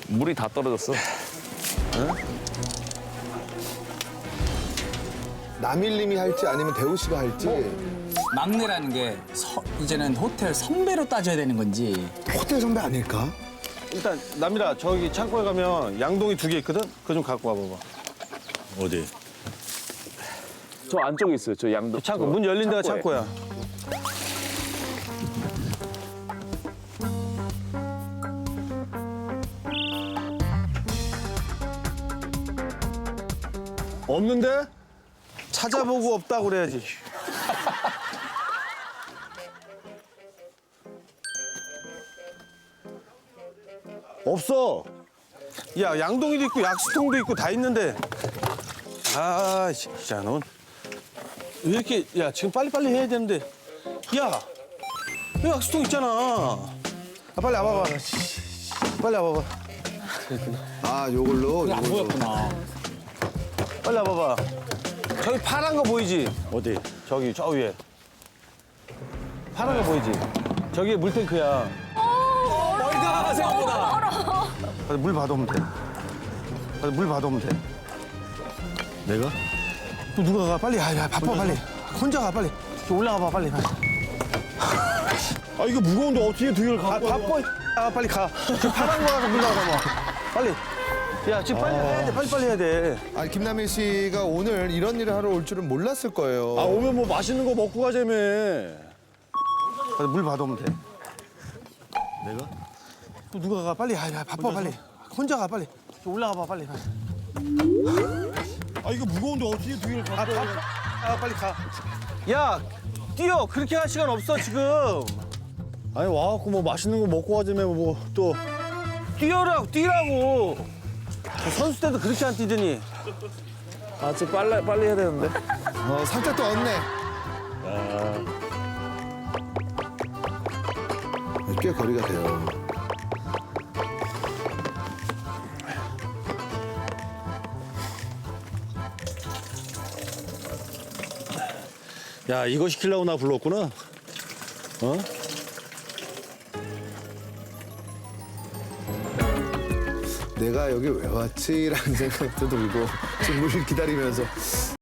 물이 다 떨어졌어. 남일님이 할지 아니면 대우 씨가 할지. 막내라는 게 이제는 호텔 선배로 따져야 되는 건지. 호텔 선배 아닐까? 일단 남이라 저기 창고에 가면 양동이 2개 있거든? 그거 좀 갖고 와봐봐. 어디? 저 안쪽에 있어요. 저 양도. 창고 문 열린 데가 창고에. 창고야. 없는데? 찾아보고 없다고 그래야지. 없어. 야, 양동이도 있고 약수통도 있고 다 있는데. 아, 진짜 넌 왜 이렇게 야, 지금 빨리빨리 해야 되는데. 야, 여기 약수통 있잖아. 아, 빨리 와봐봐. 빨리 와봐봐. 아, 요걸로. 안 보였구나. 빨리 와봐봐. 저기 파란 거 보이지? 어디? 저기 저 위에. 파란 거 보이지? 저기에 물탱크야. 멀다 생각보다. 물 받아오면 돼. 물 받아오면 돼. 내가? 또 누가 가? 빨리. 야, 바빠 빨리. 혼자 가 빨리. 올라가 봐 빨리. 아 이거 무거운데 어떻게 2개를 아, 갖고 와? 바빠. 아, 빨리 가. 저 파란 거 가서 물 나가 봐. 빨리. 야, 지금 빨리 해야 돼. 빨리 해야 돼. 아, 김남일 씨가 오늘 이런 일을 하러 올 줄은 몰랐을 거예요. 아 오면 뭐 맛있는 거 먹고 가자며. 물 받아오면 돼. 내가? 또 누가 가? 빨리. 야, 바빠 빨리. 혼자 가 빨리. 올라가 봐 빨리. 아 이거 무거운데 어떻게 2개를 갖고 와? 아, 빨리 가. 야, 뛰어. 그렇게 할 시간 없어 지금. 아니 와갖고 뭐 맛있는 거 먹고 가자며 뭐 또. 뛰라고. 선수 때도 그렇게 안 뛰더니. 아, 지금 빨리 해야 되는데. 살짝 또 얻네. 꽤 거리가 돼요. 야 이거 시키려고 나 불렀구나. 어? 내가 여기 왜 왔지라는 생각도 들고 지금 물 기다리면서